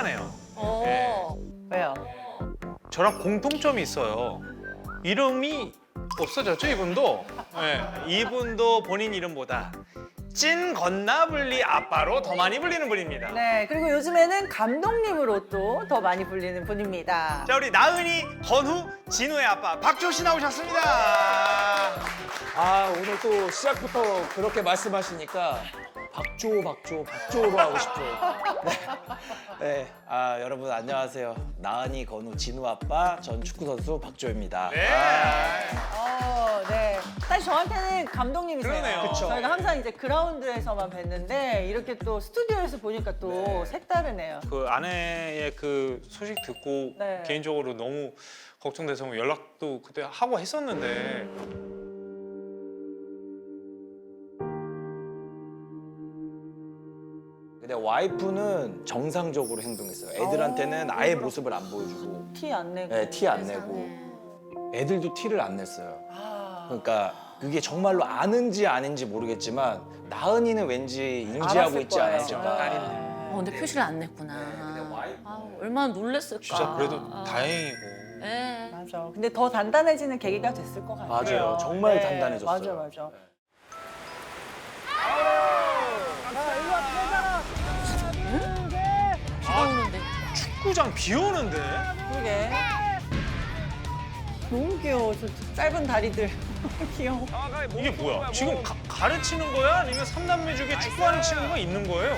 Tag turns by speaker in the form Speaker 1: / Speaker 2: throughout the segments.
Speaker 1: 특이하네요. 네.
Speaker 2: 왜요?
Speaker 1: 저랑 공통점이 있어요. 이름이 없어졌죠, 이분도? 네. 이분도 본인 이름보다 찐 건나블리 아빠로 더 많이 불리는 분입니다.
Speaker 2: 네, 그리고 요즘에는 감독님으로 또 더 많이 불리는 분입니다.
Speaker 1: 자, 우리 나은이, 건우, 진우의 아빠 박조 씨 나오셨습니다.
Speaker 3: 아, 오늘 또 시작부터 그렇게 말씀하시니까 박조로 하고 싶죠. 네. 아, 여러분 안녕하세요. 나은이, 건우, 진우 아빠 전 축구선수 박조입니다.
Speaker 1: 네.
Speaker 2: 네. 사실 저한테는 감독님이세요.
Speaker 1: 그러네요. 그쵸.
Speaker 2: 저희가 항상 이제 그라운드에서만 뵀는데 이렇게 또 스튜디오에서 보니까 또 색다르네요.
Speaker 1: 그 아내의 그 소식 듣고
Speaker 2: 네.
Speaker 1: 개인적으로 너무 걱정돼서 연락도 그때 하고 했었는데
Speaker 3: 근데 와이프는 정상적으로 행동했어요. 애들한테는 아예 모습을 안 보여주고,
Speaker 2: 티 안 내고.
Speaker 3: 네, 티 안 내고, 애들도 티를 안 냈어요.
Speaker 2: 아,
Speaker 3: 그러니까 그게 정말로 아는지 아닌지 모르겠지만 나은이는 왠지 인지하고
Speaker 2: 알았을
Speaker 3: 있지
Speaker 2: 거예요.
Speaker 3: 않았을까.
Speaker 1: 딸인데.
Speaker 4: 근데 표시를 안 냈구나. 아, 얼마나 놀랬을까.
Speaker 1: 진짜 그래도
Speaker 4: 아.
Speaker 1: 다행이고.
Speaker 4: 네.
Speaker 2: 맞아. 근데 더 단단해지는 계기가 됐을 것 같아요. 네.
Speaker 3: 맞아요. 정말 단단해졌어요.
Speaker 2: 맞아.
Speaker 4: 비가 오는데.
Speaker 1: 축구장 비 오는데?
Speaker 2: 그러게. 너무 귀여워. 저 짧은 다리들. 귀여워.
Speaker 1: 이게 뭐야? 지금 가르치는 거야? 아니면 삼남매 중에 축구하는 친구가 있는 거예요?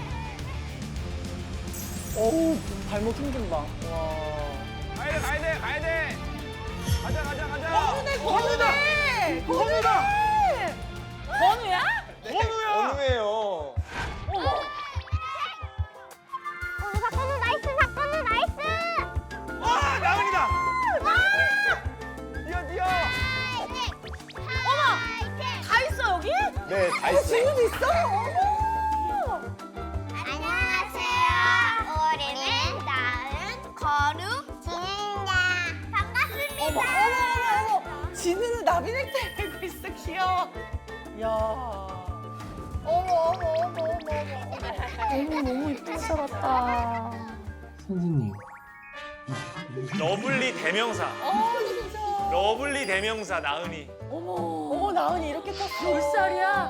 Speaker 2: 어우, 발목 힘좀 봐. 와.
Speaker 5: 가야 돼. 가자.
Speaker 2: 건우다! 건우다!
Speaker 4: 건우야?
Speaker 1: 건우야!
Speaker 3: 어느예요.
Speaker 6: 사건은 나이스!
Speaker 1: 아, 나은이다!
Speaker 5: 뛰어!
Speaker 4: 다 있어, 여기?
Speaker 3: 네, 다 있어요.
Speaker 2: 지우도 있어? 어머!
Speaker 6: 안녕하세요. 우리는 나은, 건우, 진입니다. 반갑습니다.
Speaker 2: 어머! 진우는 나비넥타이 메고 있어, 귀여워. 야. 어머.
Speaker 4: 너무 이쁘게 살았다.
Speaker 3: 선생님.
Speaker 1: 러블리 대명사.
Speaker 2: 진짜.
Speaker 1: 러블리 대명사 나은이.
Speaker 2: 어머, 나은이 이렇게 컸어.
Speaker 4: 몇 살이야?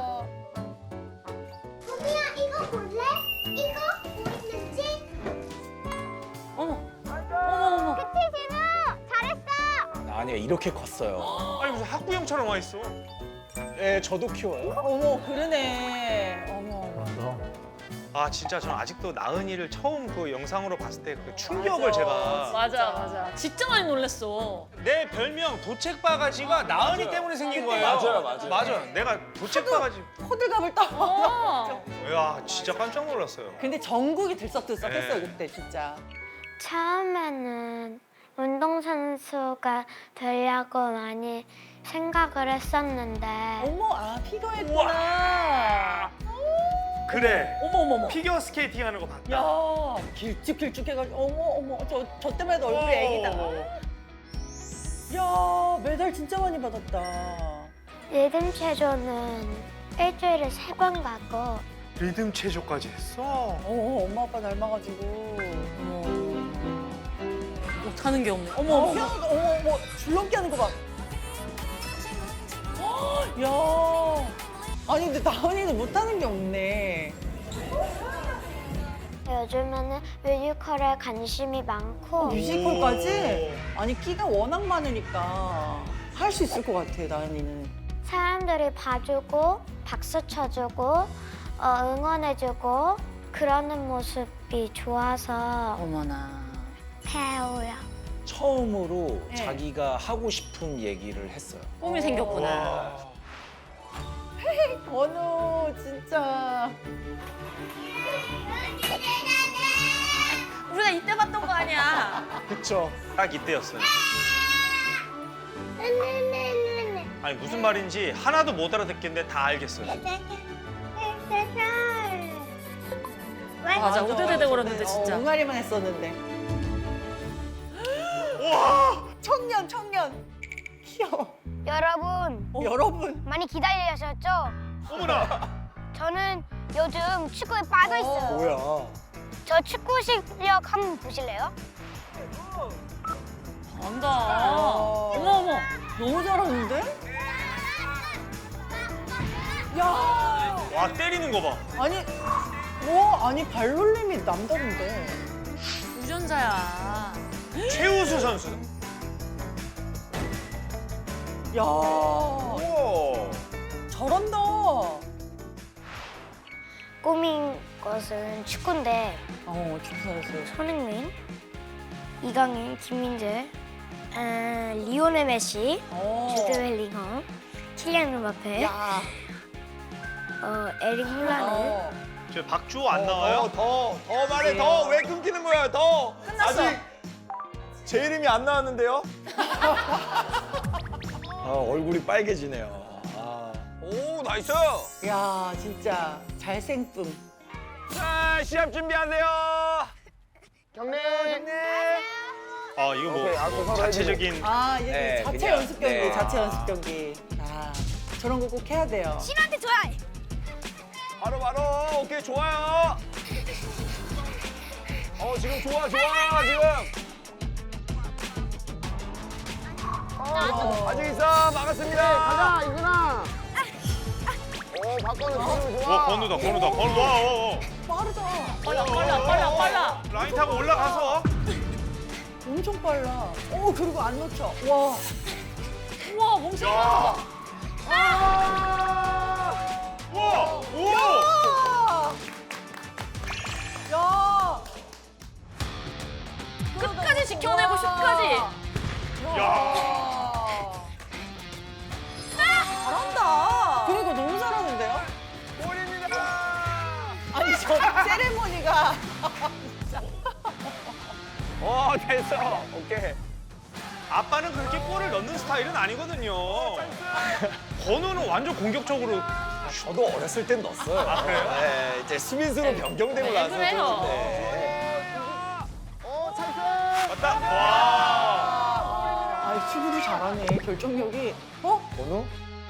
Speaker 6: 소미야, 이거 볼래? 이거 보이는지?
Speaker 4: 어머.
Speaker 6: 그치, 진우? 잘했어.
Speaker 3: 나은이가 이렇게 컸어요.
Speaker 1: 아니 무슨 학부형처럼 와 있어.
Speaker 3: 네, 저도 키워요.
Speaker 2: 어머, 그러네. 어머.
Speaker 1: 아 진짜 저는 아직도 나은이를 처음 그 영상으로 봤을 때 그 충격을 제가
Speaker 4: 맞아. 진짜 많이 놀랬어.
Speaker 1: 내 별명 도책바가지가 나은이 때문에 생긴 거예요.
Speaker 3: 맞아요.
Speaker 1: 내가 도책바가지.
Speaker 2: 호들갑을 떠.
Speaker 4: 어.
Speaker 1: 야 진짜 깜짝 놀랐어요.
Speaker 2: 근데 전국이 들썩들썩했어요,
Speaker 1: 네.
Speaker 2: 그때 진짜.
Speaker 6: 처음에는 운동선수가 되려고 많이 생각을 했었는데
Speaker 2: 어머, 피겨했구나.
Speaker 1: 그래.
Speaker 4: 어머.
Speaker 1: 피겨 스케이팅 하는 거 봤다.
Speaker 2: 야, 길쭉길쭉해가지고 어머, 저 때문에 얼굴이 애기다. 야, 메달 진짜 많이 받았다.
Speaker 6: 리듬 체조는 일주일에 3번 가고
Speaker 1: 리듬 체조까지 했어.
Speaker 2: 엄마 아빠 닮아가지고.
Speaker 4: 못하는 게 없네. 어머.
Speaker 2: 어머, 줄넘기 하는 거 봐. 야, 아니 근데 나은이는 못하는 게 없네.
Speaker 6: 요즘에는 뮤지컬에 관심이 많고
Speaker 2: 뮤지컬까지? 아니 끼가 워낙 많으니까 할 수 있을 것 같아, 나은이는.
Speaker 6: 사람들이 봐주고 박수 쳐주고 응원해주고 그러는 모습이 좋아서
Speaker 4: 어머나.
Speaker 6: 배워요.
Speaker 3: 처음으로
Speaker 2: 네.
Speaker 3: 자기가 하고 싶은 얘기를 했어요.
Speaker 4: 꿈이 생겼구나.
Speaker 2: 건우 진짜.
Speaker 4: 우리가 이때 봤던 거 아니야.
Speaker 3: 그쵸?
Speaker 1: 딱 이때였어요. 아니 무슨 말인지 하나도 못 알아듣겠는데 다 알겠어요.
Speaker 4: 맞아, 우드드드거렸는데 진짜.
Speaker 2: 옹알이만 했었는데.
Speaker 1: 와!
Speaker 2: 청년. 귀여워.
Speaker 6: 여러분
Speaker 2: 여러분.
Speaker 6: 많이 기다리셨죠?
Speaker 1: 어머나!
Speaker 6: 저는 요즘 축구에 빠져 있어요.
Speaker 3: 뭐야?
Speaker 6: 저 축구 실력 한번 보실래요?
Speaker 4: 잘한다. 어머 어머.
Speaker 2: 너무 잘하는데? 야,
Speaker 1: 와 때리는 거 봐.
Speaker 2: 아니 발놀림이 남다른데.
Speaker 4: 유전자야.
Speaker 1: 최우수 선수.
Speaker 2: 야,
Speaker 1: 오.
Speaker 2: 잘한다.
Speaker 6: 꿈인 것은 축구인데
Speaker 2: 축구 선수.
Speaker 6: 손흥민, 이강인, 김민재, 리오넬 메시, 주드 벨링엄, 킬리안 음바페,
Speaker 2: 야,
Speaker 6: 에릭 홀란드.
Speaker 1: 저 박주호 안 나와요?
Speaker 3: 더 말해 더 왜 끊기는 거야 더.
Speaker 2: 끝났어.
Speaker 3: 아직 제 이름이 안 나왔는데요? 얼굴이 빨개지네요. 오 나이스.
Speaker 2: 야, 진짜 잘생쁨.
Speaker 3: 자 시합 준비하세요.
Speaker 5: 경례.
Speaker 1: 아 이거
Speaker 5: 오케이, 앞서
Speaker 1: 뭐
Speaker 5: 서로
Speaker 1: 자체적인.
Speaker 2: 이게
Speaker 3: 네,
Speaker 2: 자체
Speaker 3: 그냥,
Speaker 2: 연습 경기,
Speaker 3: 네.
Speaker 2: 자체 연습 경기. 저런 거 꼭 해야 돼요.
Speaker 6: 신한테 줘야.
Speaker 3: 바로 오케이 좋아요. 지금 좋아 지금. 아직 있어 막았습니다.
Speaker 5: 가자 이준아. 오 박건우 지금 좋아.
Speaker 1: 와 건우다. 와.
Speaker 2: 빠르다.
Speaker 4: 빨라.
Speaker 1: 라인 타고 올라가서.
Speaker 2: 엄청 빨라. 그리고 안 놓쳐. 와.
Speaker 4: 우와 멍청이 봐.
Speaker 1: 와. 오.
Speaker 2: 야.
Speaker 4: 끝까지 지켜내고 싶까지.
Speaker 1: 야.
Speaker 2: 잘한다. 그리고 너무 잘하는데요?
Speaker 3: 골입니다.
Speaker 2: 아니 저 세레모니가
Speaker 3: 됐어. 오케이.
Speaker 1: 아빠는 그렇게 골을 넣는 스타일은 아니거든요. 건우는 완전 공격적으로.
Speaker 3: 저도 어렸을 땐 넣었어요.
Speaker 1: 그래요?
Speaker 3: 네, 이제 수비수로 변경되고
Speaker 4: 네,
Speaker 3: 나서
Speaker 4: 그래요.
Speaker 3: 떴는데.
Speaker 5: 오 찬스.
Speaker 1: 맞다. 와.
Speaker 2: 아 축구도 잘하네. 결정력이.
Speaker 3: 번호?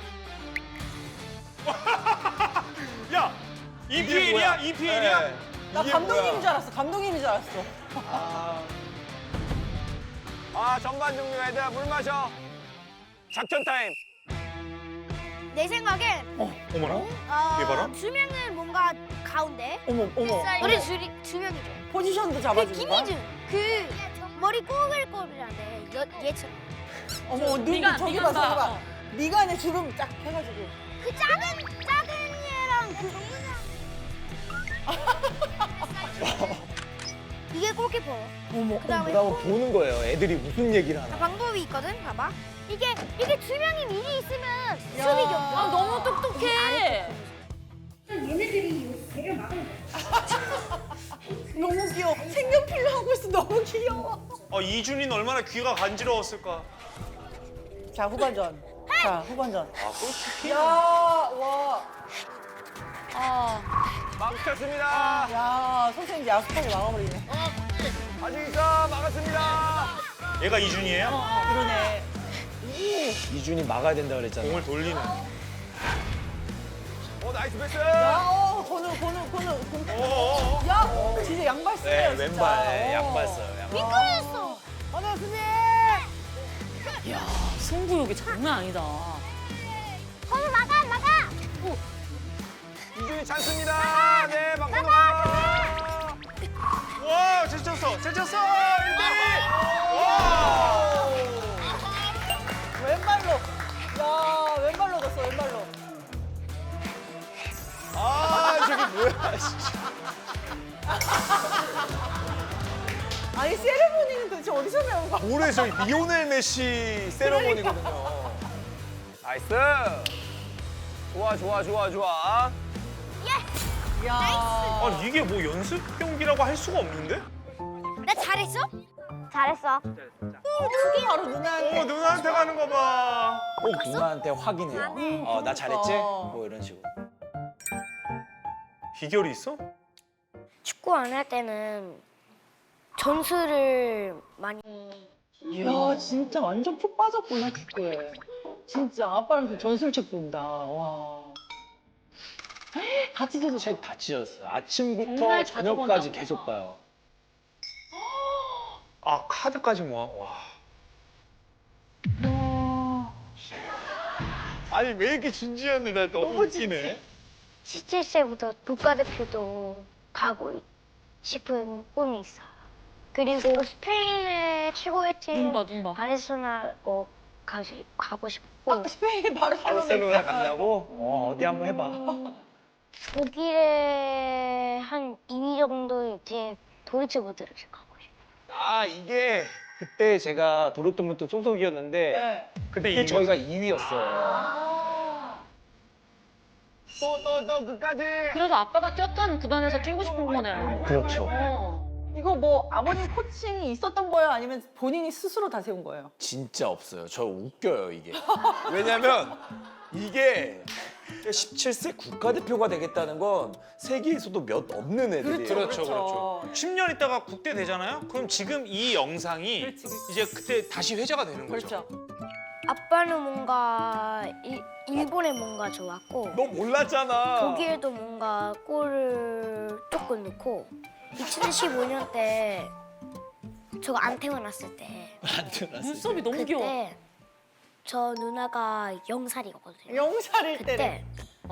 Speaker 1: 야. EPL이야? EPL이야?
Speaker 3: 네.
Speaker 2: 나
Speaker 3: 이게
Speaker 2: 감독님인
Speaker 3: 뭐야?
Speaker 2: 줄 알았어. 감독님인 줄 알았어.
Speaker 3: 전반 종료 애들아 물 마셔. 작전 타임.
Speaker 6: 내 생각엔
Speaker 1: 어머나. 이게 봐라.
Speaker 6: 두 명은 뭔가 가운데.
Speaker 2: 어머.
Speaker 6: 우리 두 명이죠.
Speaker 2: 포지션도
Speaker 6: 그
Speaker 2: 잡아주는 거야?
Speaker 6: 김희준 그 머리 꼬글꼬글한데 얘처럼.
Speaker 2: 어머 눈
Speaker 4: 미간,
Speaker 2: 저기
Speaker 4: 미간
Speaker 2: 봐.
Speaker 4: 봐.
Speaker 2: 미간에 주름 쫙 해가지고.
Speaker 6: 그 작은 얘랑 그 이게 골키퍼.
Speaker 2: 어머.
Speaker 6: 그다음에
Speaker 3: 그다음 보는 거예요. 애들이 무슨 얘기를 하나.
Speaker 6: 방법이 있거든. 봐봐. 이게 두 명이 미리 있으면
Speaker 2: 야.
Speaker 6: 수비 겹쳐.
Speaker 4: 아 너무 똑똑해.
Speaker 2: 너무 귀여워. 색연필로 하고 있어. 너무 귀여워.
Speaker 1: 이준이는 얼마나 귀가 간지러웠을까.
Speaker 2: 자 후반전. 자 후반전.
Speaker 1: 골키피.
Speaker 2: 야 와.
Speaker 3: 막혔습니다.
Speaker 2: 야 선생님 야속하게 막아버리네.
Speaker 3: 아직 있어. 막았습니다.
Speaker 1: 얘가 이준이에요?
Speaker 2: 그러네.
Speaker 3: 이준이 막아야 된다 그랬잖아.
Speaker 1: 공을 돌리는.
Speaker 3: 나이스 패스.
Speaker 2: 야 건우.
Speaker 1: 어어어.
Speaker 2: 야 진짜 양발 쓰네요
Speaker 3: 네,
Speaker 2: 진짜.
Speaker 3: 왼발 네, 양발 써요. 양발.
Speaker 6: 미끄러졌어.
Speaker 2: 맞아 선생님.
Speaker 4: 야 승부욕이 장난 아니다.
Speaker 6: 거기 막아.
Speaker 3: 이준이 찬스입니다. 네, 막고 가.
Speaker 1: 와, 제쳤어. 1대1. 와.
Speaker 2: 왼발로. 야 왼발로 넣었어 왼발로.
Speaker 3: 저게 뭐야, 진짜.
Speaker 2: 아니 세레모니는 도대체 어디서 배운 거야?
Speaker 3: 올해 리오넬 메시 세레머니거든요. 나이스. 좋아.
Speaker 2: 야.
Speaker 1: 이게 뭐 연습 경기라고 할 수가 없는데?
Speaker 6: 나 잘했어? 잘했어.
Speaker 2: 바로 누나한테.
Speaker 1: 누나한테 가는 거 봐.
Speaker 3: 꼭 누나한테 확인해요. 나 잘했지?
Speaker 2: 어.
Speaker 3: 뭐 이런 식으로.
Speaker 1: 비결이 있어?
Speaker 6: 축구 안 할 때는 전술을 많이.
Speaker 2: 야 진짜 완전 푹 빠졌구나 축구에. 진짜 아빠랑 그 전술책 본다. 와.
Speaker 4: 다 찢어졌어.
Speaker 3: 책 다 찢어졌어요. 아침부터
Speaker 4: 정말 자주
Speaker 3: 저녁까지
Speaker 4: 본다고.
Speaker 3: 계속 봐요.
Speaker 1: 아 카드까지 모아. 와. 아니 왜 이렇게 진지한데 나 너무 웃기네.
Speaker 6: 17세부터 국가대표도 가고 싶은 꿈이 있어요. 그리고 스페인의 최고의 팀
Speaker 4: 눈봐.
Speaker 6: 바르셀로나 꼭 가고 싶고
Speaker 2: 스페인
Speaker 3: 바르셀로나 간다고? 어디 한번 해봐.
Speaker 6: 독일의 한 2위 정도의 팀 도르트문트를 가고 싶어요.
Speaker 3: 아 이게 그때 제가 도르트문트 소속이었는데
Speaker 2: 네.
Speaker 3: 그때 저희가 2위였어요. 또 끝까지.
Speaker 4: 그래도 아빠가 뛰었던 구단에서 뛰고 싶은 거네.
Speaker 3: 그렇죠.
Speaker 2: 이거 뭐 아버님 코칭이 있었던 거예요? 아니면 본인이 스스로 다 세운 거예요?
Speaker 3: 진짜 없어요. 저 웃겨요 이게. 왜냐면 이게 17세 국가대표가 되겠다는 건 세계에서도 몇 없는 애들이에요.
Speaker 1: 그렇죠. 10년 있다가 국대 되잖아요. 그럼 지금 이 영상이
Speaker 2: 그렇지.
Speaker 1: 이제 그때 다시 회자가 되는 거죠.
Speaker 2: 그렇죠.
Speaker 6: 아빠는 뭔가 일본에 뭔가 좋았고
Speaker 3: 너 몰랐잖아.
Speaker 6: 독일도 뭔가 골을 조금 넣고 2015년 때 저거 안 태어났을 때
Speaker 3: 안 들었어.
Speaker 4: 눈썹이 너무 귀여워.
Speaker 6: 그때 저 누나가 0살이거든요.
Speaker 2: 영살일 때래.
Speaker 6: 그때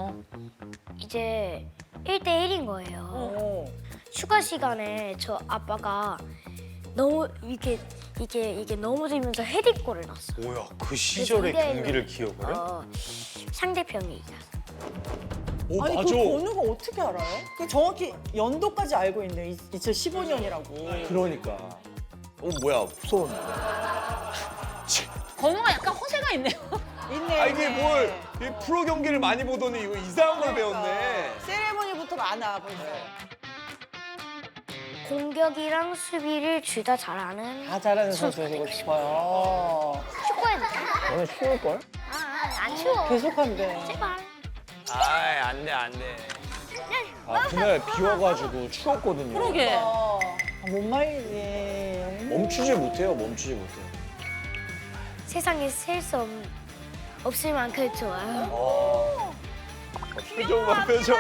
Speaker 6: 이제 1대1인 거예요.
Speaker 2: 어.
Speaker 6: 추가 시간에 저 아빠가 너무 이게 넘어지면서 헤딩골을 넣었어.
Speaker 1: 뭐야 그 시절의
Speaker 6: 그래서
Speaker 1: 경기를 기억을 해?
Speaker 6: 상대편이 이겼어.
Speaker 3: 오
Speaker 2: 아니
Speaker 3: 맞아.
Speaker 2: 그 번호가 어떻게 알아요? 그 정확히 연도까지 알고 있네. 2015년이라고.
Speaker 3: 그러니까. 뭐야 무서운데.
Speaker 4: 건우가 약간 허세가 있네요.
Speaker 2: 있네.
Speaker 3: 아 이게
Speaker 2: 있네.
Speaker 3: 뭘 이 프로 경기를 많이 보더니 이거 이상한 걸 배웠네.
Speaker 2: 그러니까. 세레모니부터 많아 벌써.
Speaker 6: 공격이랑 수비를 둘 다 잘하는
Speaker 2: 다 잘하는
Speaker 6: 선수가
Speaker 2: 선수 되고
Speaker 6: 되고
Speaker 2: 싶어요.
Speaker 6: 축구해도 돼.
Speaker 3: 너네 추울 걸?
Speaker 6: 안 추워.
Speaker 2: 계속한대.
Speaker 6: 제발.
Speaker 3: 아이 안돼. 아 그날 비 와가지고 추웠거든요.
Speaker 4: 그러게.
Speaker 2: 못 말리지.
Speaker 3: 멈추질 못해요.
Speaker 6: 세상에 셀 수 없을 만큼 좋아요.
Speaker 3: 표정 봐 표정.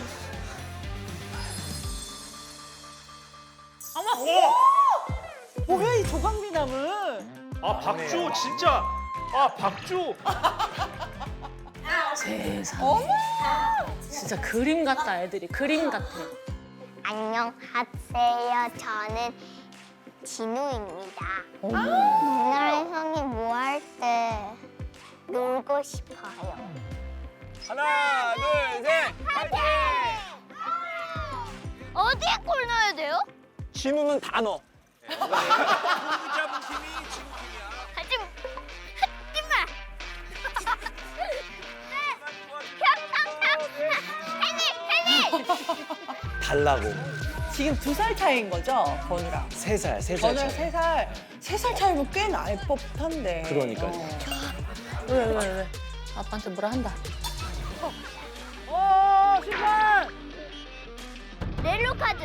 Speaker 2: 뭐야 이 조각미남은.
Speaker 1: 아 박주 진짜. 아 박주.
Speaker 4: 세상에. 진짜 그림 같다 애들이. 그림 같아.
Speaker 6: 안녕하세요. 저는 진우입니다. 오늘 형이 뭐 할 때 놀고 싶어요.
Speaker 3: 하나 둘 셋. 파이팅!
Speaker 6: 어디에 골 넣어야 돼요?
Speaker 3: 진우는 다 넣어.
Speaker 6: 하지 마. 팬이.
Speaker 3: 달라고.
Speaker 2: 지금 2살 차이인 거죠, 건우랑.
Speaker 3: 3살
Speaker 2: 건우랑
Speaker 3: 차이.
Speaker 2: 3살. 3살 차이면 꽤 날 법한데.
Speaker 3: 그러니까요.
Speaker 4: 왜? 아빠한테 뭐라 한다.
Speaker 6: 렐로 카드.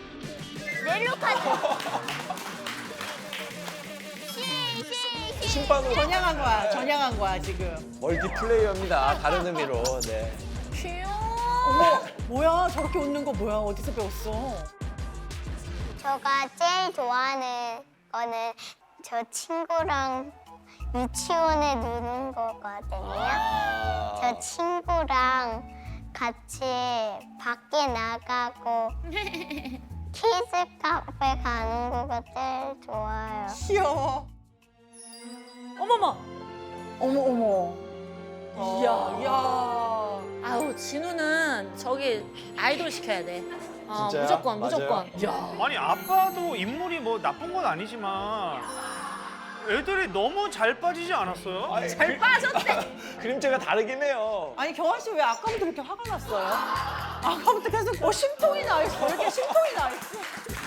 Speaker 3: 심판으로
Speaker 2: 전향한 거야 지금.
Speaker 3: 멀티플레이어입니다. 다른 의미로. 네.
Speaker 2: 어머, 뭐야 저렇게 웃는 거 뭐야? 어디서 배웠어?
Speaker 6: 제가 제일 좋아하는 거는 저 친구랑 유치원에 노는 거거든요. 저 친구랑 같이 밖에 나가고 키즈 카페 가는 거가 제일 좋아요.
Speaker 2: 귀여워.
Speaker 4: 어머머.
Speaker 2: 어머. 이야.
Speaker 4: 아우 진우는 저기 아이돌 시켜야 돼.
Speaker 3: 진짜요?
Speaker 4: 무조건.
Speaker 3: 맞아요.
Speaker 4: 야.
Speaker 1: 아니 아빠도 인물이 뭐 나쁜 건 아니지만 애들이 너무 잘 빠지지 않았어요?
Speaker 4: 잘 빠졌대.
Speaker 3: 그림체가 다르긴 해요.
Speaker 2: 아니 경환 씨 왜 아까부터 그렇게 화가 났어요? 아까부터 계속 심통이 나 있어. 왜 이렇게 심통이 나 있어?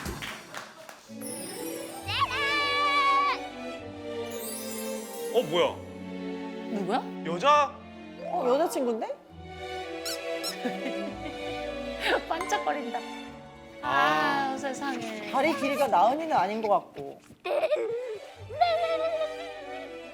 Speaker 1: 뭐야?
Speaker 4: 누구야?
Speaker 1: 여자?
Speaker 2: 여자친구인데?
Speaker 4: 반짝거린다. 아 세상에.
Speaker 2: 다리 길이가 나은이는 아닌 것 같고.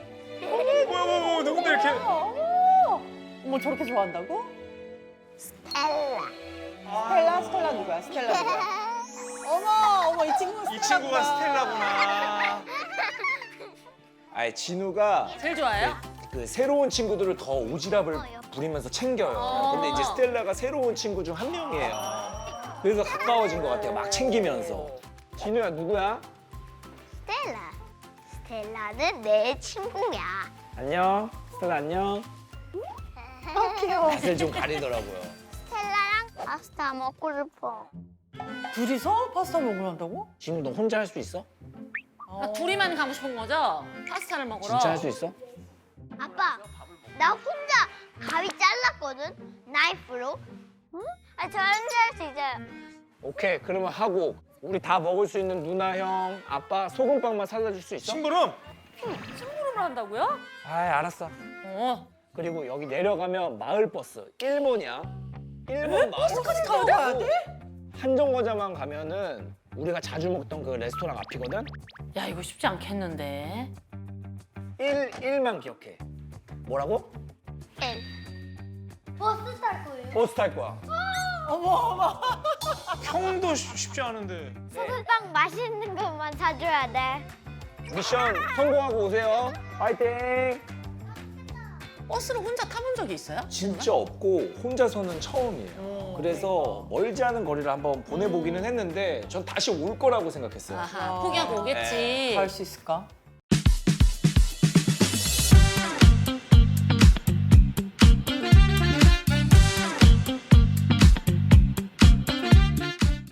Speaker 1: 뭐야 누군데 이렇게?
Speaker 2: 어머 저렇게 좋아한다고? 스텔라 누구야? 스텔라 누구야? 어머, 이 친구가
Speaker 1: 이 친구가 스텔라구나.
Speaker 3: 아니 진우가
Speaker 4: 제일 좋아해요?
Speaker 3: 그 새로운 친구들을 더 오지랖을 부리면서 챙겨요. 근데 이제 스텔라가 새로운 친구 중 한 명이에요. 그래서 가까워진 것 같아요. 막 챙기면서. 진우야 누구야?
Speaker 6: 스텔라. 스텔라는 내 친구야.
Speaker 3: 안녕. 스텔라 안녕.
Speaker 2: 귀여워.
Speaker 3: 맛을 좀 가리더라고요.
Speaker 6: 스텔라랑 파스타 먹고 싶어.
Speaker 2: 둘이서 파스타 먹으러 한다고?
Speaker 3: 진우 너 혼자 할 수 있어?
Speaker 4: 아, 둘이만 가고 싶은 거죠? 파스타를 먹으러.
Speaker 3: 진짜 할 수 있어?
Speaker 6: 아빠, 나 혼자 가위 잘랐거든? 나이프로. 응? 아, 저 혼자 할 수 있어요.
Speaker 3: 오케이 그러면 하고 우리 다 먹을 수 있는 누나 형 아빠 소금빵만 사다 줄 수 있어?
Speaker 1: 심부름.
Speaker 4: 심부름을 한다고요?
Speaker 3: 아 알았어. 그리고 여기 내려가면 마을버스 1번이야. 1번 마을버스
Speaker 2: 타고 가야 돼?
Speaker 3: 한정거장만 가면은 우리가 자주 먹던 그 레스토랑 앞이거든?
Speaker 4: 야, 이거 쉽지 않겠는데.
Speaker 3: 1만 기억해. 뭐라고?
Speaker 6: 버스 탈 거예요.
Speaker 3: 버스 탈 거야.
Speaker 2: 어머.
Speaker 1: 형도 쉽지 않은데.
Speaker 6: 소금빵 맛있는 것만 사줘야 돼.
Speaker 3: 미션 성공하고 오세요. 파이팅!
Speaker 4: 버스를 혼자 타본 적이 있어요?
Speaker 3: 진짜 없고 혼자서는 처음이에요. 그래서 멀지 않은 거리를 한번 보내보기는 했는데 전 다시 올 거라고 생각했어요.
Speaker 4: 아하, 포기하고 오겠지.
Speaker 2: 갈 수 있을까?